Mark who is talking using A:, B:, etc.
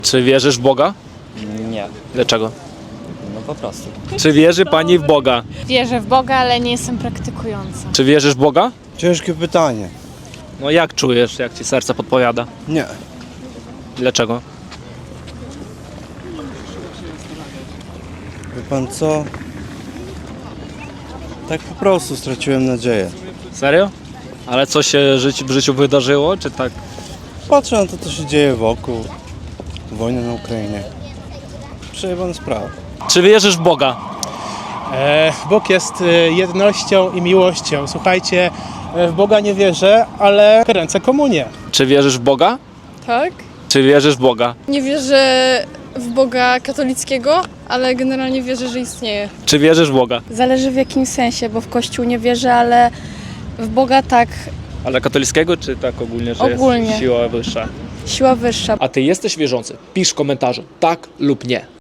A: Czy wierzysz w Boga?
B: Nie,
A: Dlaczego?
B: no po prostu.
A: Czy wierzy pani w Boga?
C: Wierzę w Boga, ale nie jestem praktykująca.
A: Czy wierzysz w Boga?
D: Ciężkie pytanie.
A: No jak czujesz, jak ci serce podpowiada?
D: Nie.
A: Dlaczego?
D: Wie pan co? Tak po prostu straciłem nadzieję.
A: Serio? Ale co się w życiu wydarzyło, czy tak?
D: Patrzę na to, co się dzieje wokół. Wojna na Ukrainie. Przejebana sprawa.
A: Czy wierzysz w Boga?
E: Bóg jest jednością i miłością. Słuchajcie, w Boga nie wierzę, ale kręcę komunię.
A: Czy wierzysz w Boga?
F: Tak.
A: Czy wierzysz w Boga?
F: Nie wierzę w Boga katolickiego, ale generalnie wierzę, że istnieje.
A: Czy wierzysz w Boga?
G: Zależy w jakim sensie, bo w Kościół nie wierzę, ale w Boga tak,
A: Ale katolickiego, czy tak ogólnie, że
G: Ogólnie.
A: jest siła wyższa?
G: siła wyższa.
A: A ty jesteś wierzący? Pisz w komentarzu tak lub nie.